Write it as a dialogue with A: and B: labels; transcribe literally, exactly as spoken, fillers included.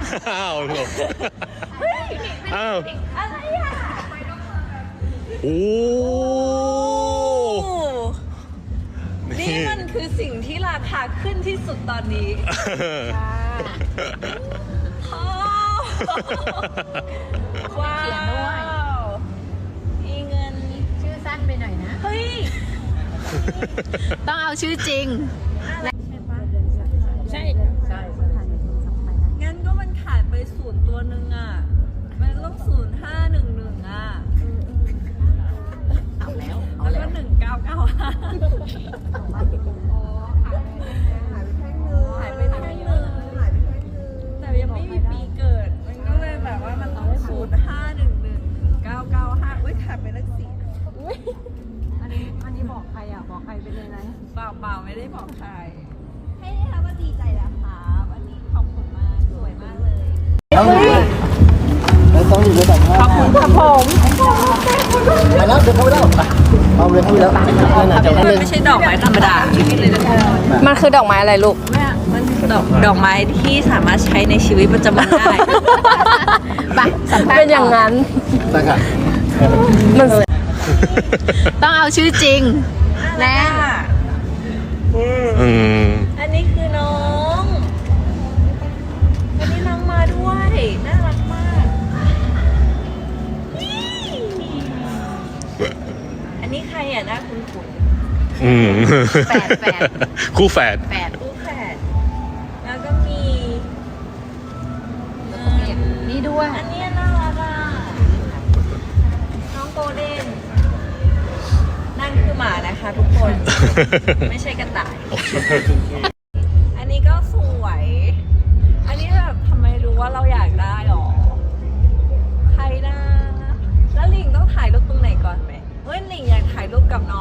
A: อ้าวหลบอ้าว
B: อะไรอ่ะ
A: โอ้
B: นี่มันคือสิ่งที่ราคาขึ้นที่สุดตอนนี้ว้าวมีเงิน
C: ชื่อสั้นไปหน่อยนะ
B: เฮ้ย
C: ต้องเอาชื่อจริงใช่ใช่
B: งั้นก็มันขาดไปศูนย์ตัวหนึ่งอ่ะ มันต้องศูนย์ห้าหนึ่งหนึ่งอ่ะ
C: เอาแล้ว
B: แล้วก็หนึ่งเก้าเก้าห้าหายไปแท่งหนึ่งแต่ยังไม่มีปีเกิด มันก็เลยแบบว่ามันต้องศูนย์ห้าหนึ่งหนึ่งเก้าเก้าห้าอุ้ยขาดไปเลขสี่
C: อันนี้อันนี้บอกใครอ่ะบอกใครไปเลยนะ
B: เปล่าเปล่าไม่ได้บอกใครให้ได้ค่ะว่าดีใจแล้วค่ะวันนี้ขอบคุณมากสวยมากเลย
D: ต้องอยู่ด้วยกันข
B: อบคุณครับผม
D: มาแล้วเดินเข้าไปแล้วเอาเลยเข้าไปแล้ว
B: มันไม่ใช่ดอกไม้ธรรมดา
C: มันคือดอกไม้อะไรลูก
B: มันคือดอกดอกไม้ที่สามารถใช้ในชีวิตประจำวันได้
C: ไปเป็นอย่างนั้น
D: ตั้งค่ะ
C: มันต้องเอาชื่อจริงแน่
B: อันนี้คือน้องวันนี้น้องมาด้วยน่ารักมากอันนี้ใครอ่ะหน้าคุ้นๆ
A: อืม
C: แฝดแฝด
A: คู่แฝด
C: แฝด
B: คู่แฝดแล้วก็มี
C: นี่ด้วย
B: อันนี้น่ารักอ่ะน้องโกลเด้นนั่นคือหมานะคะทุกคนไม่ใช่กระต่ายอันนี้ก็สวยอันนี้แบบทำไมรู้ว่าเราอยากได้หรอใครนะแล้วหลิงต้องถ่ายรูปตรงไหนก่อนไหมเฮ้ยหลิงอยากถ่ายรูปกับน้อง